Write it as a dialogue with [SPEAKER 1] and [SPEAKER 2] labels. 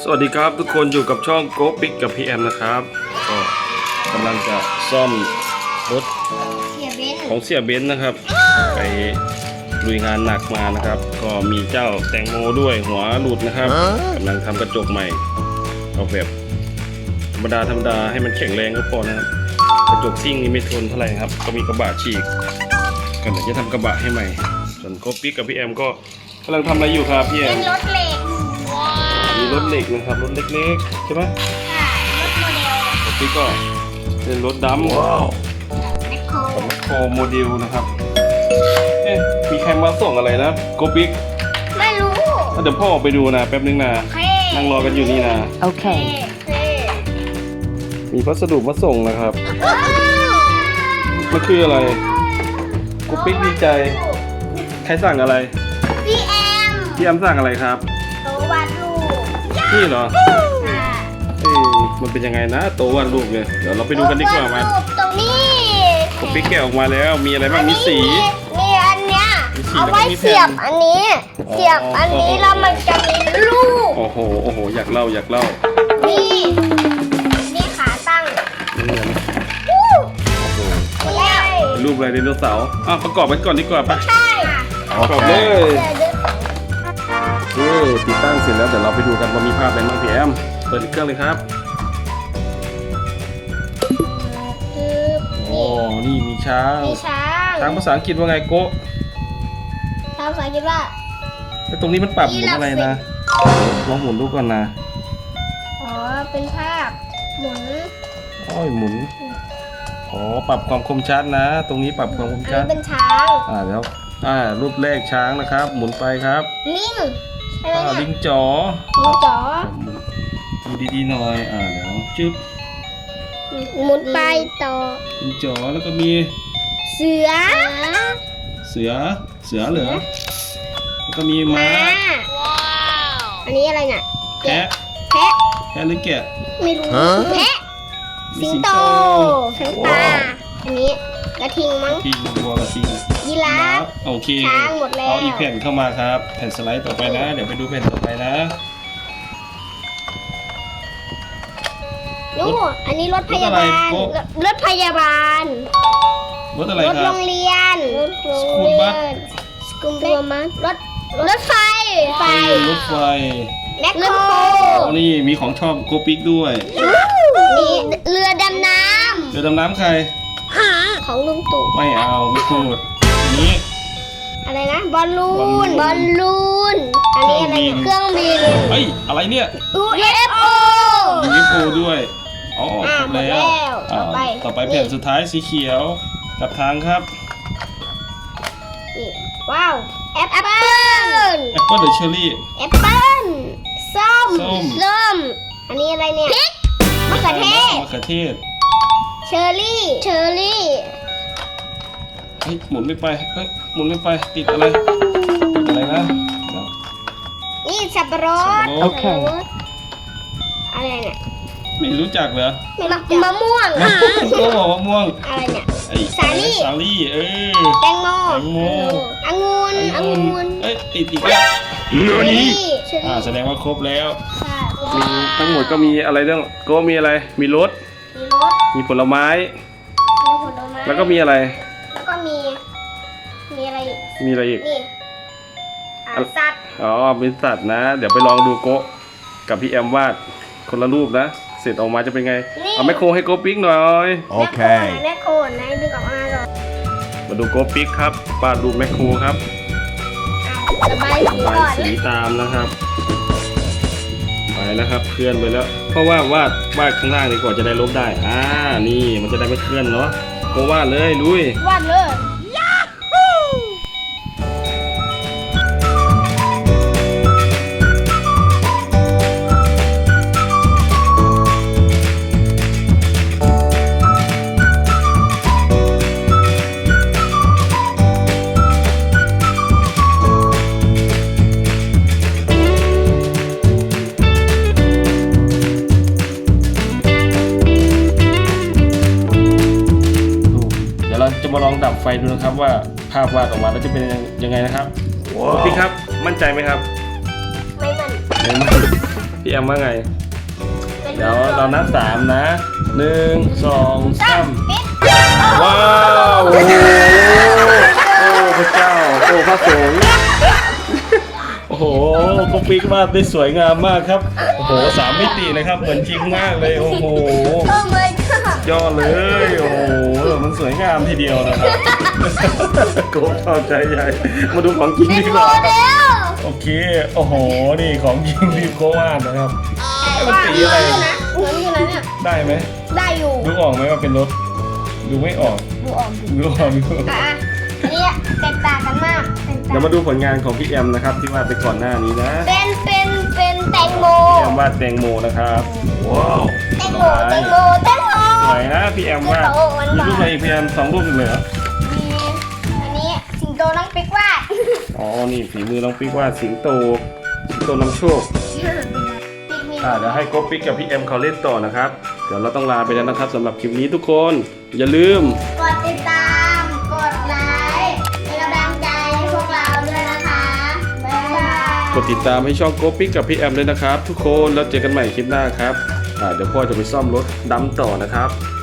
[SPEAKER 1] วัสดีครับทุกคนอยู่กับช่องโกปิกกับพี่แอมนะครับก็กำลังจะซ่อมรถของเสียเบนซ์นะครับไปลุยงานหนักมานะครับ ก็มีเจ้าแตงโมด้วยหัวหลุดนะครับกำลังทำกระจกใหม่เอาแบบธรรมดาให้มันแข็งแรงก็พอนะครับกระจกซิ่งนี่ไม่ทนเท่าไหร่ครับก็มีกระบะฉีกก็เลยจะทำกระบะให้ใหม่ส่วนโกปิกกับพี่แอมก็กำลังทำอะไรอยู่ครับพี่แอม
[SPEAKER 2] เป็นรถเหล็ก
[SPEAKER 1] มีรถเหล็กนะครับรถเล็กๆใช่ไหม
[SPEAKER 2] ค่ะรถโมเดล
[SPEAKER 1] รถนี้ก็เป็นรถดำว้าว
[SPEAKER 2] แมคโคร
[SPEAKER 1] โคโมเดลนะครับเอ๊ะมีใครมาส่งอะไรนะโกปิก
[SPEAKER 2] ไม่รู้
[SPEAKER 1] เดี๋ยวพ่อออกไปดูนะแป๊บนึงนะนั่งรอกันอยู่นี่นะ
[SPEAKER 3] Okay.
[SPEAKER 1] มีพัสดุมาส่งนะครับมันคืออะไรโกปิกดีใจใครสั่งอะไร
[SPEAKER 2] พี่แอม
[SPEAKER 1] พี่แอมสั่งอะไรครับ
[SPEAKER 2] โตวาดรูป
[SPEAKER 1] นี่เหรอ
[SPEAKER 2] ค่ะ
[SPEAKER 1] เอ๊ะมันเป็นยังไงนะโตวาดรูปเนี่ยเดี๋ยวเราไปดูกันดีกว่ามัน
[SPEAKER 2] โตวดรูปตรงนี้
[SPEAKER 1] โกปิกแกะออกมาแล้วมีอะไรบ้างมีสี
[SPEAKER 2] มีอันเนี้ย
[SPEAKER 1] มีสี
[SPEAKER 2] เอาไว้
[SPEAKER 1] แล้วก็มีแผ่น
[SPEAKER 2] เสียบอันนี้ เสียบอันนี้แล้วมันจะมีลูก
[SPEAKER 1] โอ้โหอยากเล่า
[SPEAKER 2] นี่นี่ขาตั้ง
[SPEAKER 1] นี่นะ
[SPEAKER 2] วู้
[SPEAKER 1] โอ้โห
[SPEAKER 2] แล้ว
[SPEAKER 1] เป็นรูปอะไรไดโนเสาร์ประกอบกันก่อนดีกว่าปะ
[SPEAKER 2] ใช่
[SPEAKER 1] ประกอบเลย
[SPEAKER 2] เดี๋ยว
[SPEAKER 1] ติดตั้งเสร็จแล้วเดี๋ยวเราไปดูกันว่ามีภาพอะไรบ้างพี่แอมเปิดเครื่องเลยครับ โอ้นี่มีช้าง
[SPEAKER 2] มีช้าง
[SPEAKER 1] ช้างภาษาอังกฤษว่าไงโกะ
[SPEAKER 2] ช้างภาษาอังกฤษว่า
[SPEAKER 1] แล้วตรงนี้มันปรับหมุนอะไรนะลองหมุนดูก่อนนะ
[SPEAKER 2] อ๋อ เป็นภาพหมุน
[SPEAKER 1] โอ้ยหมุนปรับความคมชัดนะ ตรงนี้ปรับความคม
[SPEAKER 2] อัน
[SPEAKER 1] ชัด
[SPEAKER 2] นี้เป็นช้าง
[SPEAKER 1] แล้วรูปแรกช้างนะครับ หมุนไปครับ
[SPEAKER 2] ลิงใช่ไหมเนี่ย
[SPEAKER 1] ลิงจ๋อ
[SPEAKER 2] ลิงจ๋อ
[SPEAKER 1] ดูดีๆหน่อยเดี๋ยวจึ๊บ
[SPEAKER 2] หมุนไปต่อ
[SPEAKER 1] ลิงจ๋อแล้วก็มี
[SPEAKER 2] เสือ
[SPEAKER 1] เสือเหรอแล้วก็มีม้า
[SPEAKER 2] อันนี้อะไรเนี่ย
[SPEAKER 1] แพะ
[SPEAKER 2] แพะ
[SPEAKER 1] หรือแกะ
[SPEAKER 2] ไม่รู้แพะ
[SPEAKER 1] มี
[SPEAKER 2] สิงโตช้างป่าอันนี้กระทิงมั้ง
[SPEAKER 1] ทิงวัวกระทิง
[SPEAKER 2] ยีราฟ
[SPEAKER 1] โอเค
[SPEAKER 2] ช้างหมดแล้ว
[SPEAKER 1] เอาอีกแผ่นเข้ามาครับ แผ่นสไลด์ต่อไปนะ เดี๋ยวไปดูแผ่นต่อไปนะ
[SPEAKER 2] นู่นอันนี้รถพยาบาล รถพยาบาล
[SPEAKER 1] รถอะไร
[SPEAKER 2] รถ
[SPEAKER 1] ค
[SPEAKER 2] โร
[SPEAKER 1] รับ
[SPEAKER 2] งเรียน รถโรง
[SPEAKER 1] สกู
[SPEAKER 2] เรี
[SPEAKER 1] ลบั
[SPEAKER 2] ย
[SPEAKER 1] ส
[SPEAKER 2] นสกูลบัสรถไฟ
[SPEAKER 1] รถไฟ
[SPEAKER 2] แมคโคร
[SPEAKER 1] นี่มีของชอบโกปิกด้วย
[SPEAKER 2] นี่เรือดำน้
[SPEAKER 1] เรือดำน้ำใคร
[SPEAKER 2] ำของลุงตู่
[SPEAKER 1] ไม่เอาไม่พูดอันนี้
[SPEAKER 2] อะไรนะ บอลลูน
[SPEAKER 1] บอลลูน
[SPEAKER 2] อันนี้อะไรเนี่ยเครื่องบิน
[SPEAKER 1] เฮ้ยอะไรเนี่ย
[SPEAKER 2] UFO
[SPEAKER 1] มีวิโปด้วยอ๋อครบ
[SPEAKER 2] หมด
[SPEAKER 1] แล้ว
[SPEAKER 2] แล้ว
[SPEAKER 1] ต่อไปแผ่นสุดท้ายสีเขียวกับทางครับ
[SPEAKER 2] นี่ว้าวแอปเปิ้ล
[SPEAKER 1] แอปเปิลหรือเชอร์รี่
[SPEAKER 2] แอปเปิ้ลส้ม
[SPEAKER 1] ส้ม
[SPEAKER 2] อันนี้อะไรเนี่ยพริกมะเขือเทศ
[SPEAKER 1] มะเขือเทศ
[SPEAKER 2] เชอร์รี่
[SPEAKER 1] เฮ้ยหมุนไม่ไปหมุนไม่ไปติดอะไรนะเดี๋ยว
[SPEAKER 2] นี่สับปะรด
[SPEAKER 1] โอเค
[SPEAKER 2] อะไรเนี่ย
[SPEAKER 1] ไม่รู้จักเหรอ
[SPEAKER 2] มะม่วง
[SPEAKER 1] ก็บอกว่ามะม่วง
[SPEAKER 2] อะไรเนี่ย
[SPEAKER 1] ไอ้
[SPEAKER 2] สาลี่
[SPEAKER 1] สาลี่
[SPEAKER 2] แตงโม
[SPEAKER 1] แตงโม
[SPEAKER 2] องุ่น
[SPEAKER 1] ติดอีกแล้ว
[SPEAKER 2] เชอร์รี่
[SPEAKER 1] แสดงว่าครบแล้ว
[SPEAKER 2] ค่ะ
[SPEAKER 1] มีทั้งหมดก็มีอะไรเรื่องก็มีอะไรมีรถ
[SPEAKER 2] มีรถ
[SPEAKER 1] มีผลไม้
[SPEAKER 2] มีผลไม้
[SPEAKER 1] แล้วก็มีอะไร
[SPEAKER 2] แล้วก็มีอะไรอีก
[SPEAKER 1] มีอะไรอีก
[SPEAKER 2] นี่สัตว์
[SPEAKER 1] เป็นสัตว์นะ เดี๋ยวไปลองดูโกะกับพี่แอมวาดคนละรูปนะ เสร็จออกมาจะเป็นไง เอาแมคโครให้โกะปิ๊กหน่อย
[SPEAKER 3] Okay.
[SPEAKER 2] แม่โคไหนดึงออกมาก่อน
[SPEAKER 1] มาดูโกะปิ๊กครับวาดรูปแมคโครครับ
[SPEAKER 2] ระบายสี
[SPEAKER 1] ระบาย
[SPEAKER 2] ก่อน
[SPEAKER 1] สีตามนะครับ ไปแล้วครับเคลื่อนไปแล้ว เพราะว่าวาดข้างล่างดีกว่าจะได้ลบได้นี่มันจะได้ไม่เคลื่อนเนาะโกะวาดเลยลุยว
[SPEAKER 2] าดเลย
[SPEAKER 1] เดี๋ยวเราจะมาลองดับไฟดูนะครับว่าภาพวาดออกมาแล้วจะเป็นยังไงนะครับพี่ครับมั่นใจไหมครับ
[SPEAKER 2] ไม่มัน
[SPEAKER 1] ไม่มั่นพี่แอมว่าไง เดี๋ยวเรานับ3นะ1 2 3
[SPEAKER 2] ปิด
[SPEAKER 1] ว้าวโอ้โหโอ้พระเจ้าโอ้พระสงฆ์โอ้โหโกปิกวาดได้สวยงามมากครับโอ้โห3 มิติเลยครับเหมือนจริงมากเลยโอ้โห
[SPEAKER 2] โอ้ my god
[SPEAKER 1] ยอดเลยโอ้โหมันสวยงามทีเดียวนะครับโกชอบใจใหญ่มาดูของจริง
[SPEAKER 2] เป็น
[SPEAKER 1] ดีก
[SPEAKER 2] โม
[SPEAKER 1] ว่า
[SPEAKER 2] เดล
[SPEAKER 1] โอเคโอ้โหนี่ของจริงที่โกวาดนะครับมันสีอะไร
[SPEAKER 2] นะเหมือนอยู่นะเนี่ย
[SPEAKER 1] ได้ไหม
[SPEAKER 2] ได้อยู่
[SPEAKER 1] ดูออกไหมว่าเป็นรถดูไม่ออก
[SPEAKER 2] ดูออก
[SPEAKER 1] ดูออกดูออก
[SPEAKER 2] อ่ะอันนี้แตกต่างกันมากแตกต่าง
[SPEAKER 1] เดี๋ยวมาดูผลงานของพี่แอมนะครับที่วาดไปก่อนหน้านี้นะ
[SPEAKER 2] เป็นแตงโม
[SPEAKER 1] พี่แอมวาดแตงโมนะครับว้าว
[SPEAKER 2] แตงโมแตงโมแตงโม
[SPEAKER 1] สวยนะพี่แอมวาดมีรูปอะไรอีกพี่แอม2 รูปเลยเหรอ
[SPEAKER 2] มีอันนี้สิงโตน้องปิ๊กวาด
[SPEAKER 1] อ๋อนี่ฝีมือน้องปิ๊กวาดสิงโตนำโชค
[SPEAKER 2] ปิ๊กมี
[SPEAKER 1] เดี๋ยวให้โกปิ๊กกับพี่แอมเขาเล่นต่อนะครับเดี๋ยวเราต้องลาไปแล้วนะครับสำหรับคลิปนี้ทุกคน อย่าลืม
[SPEAKER 2] กดติดตามกดไลค์เป็นกำลังใจให้พวกเราด้วยนะคะบ๊ายบาย
[SPEAKER 1] กดติดตามให้ช่องโกปิ๊กกับพี่แอมด้วยนะครับ ทุกคนแล้วเจอกันใหม่คลิปหน้าครับเดี๋ยวพ่อจะไปซ่อมรถดำต่อนะครับ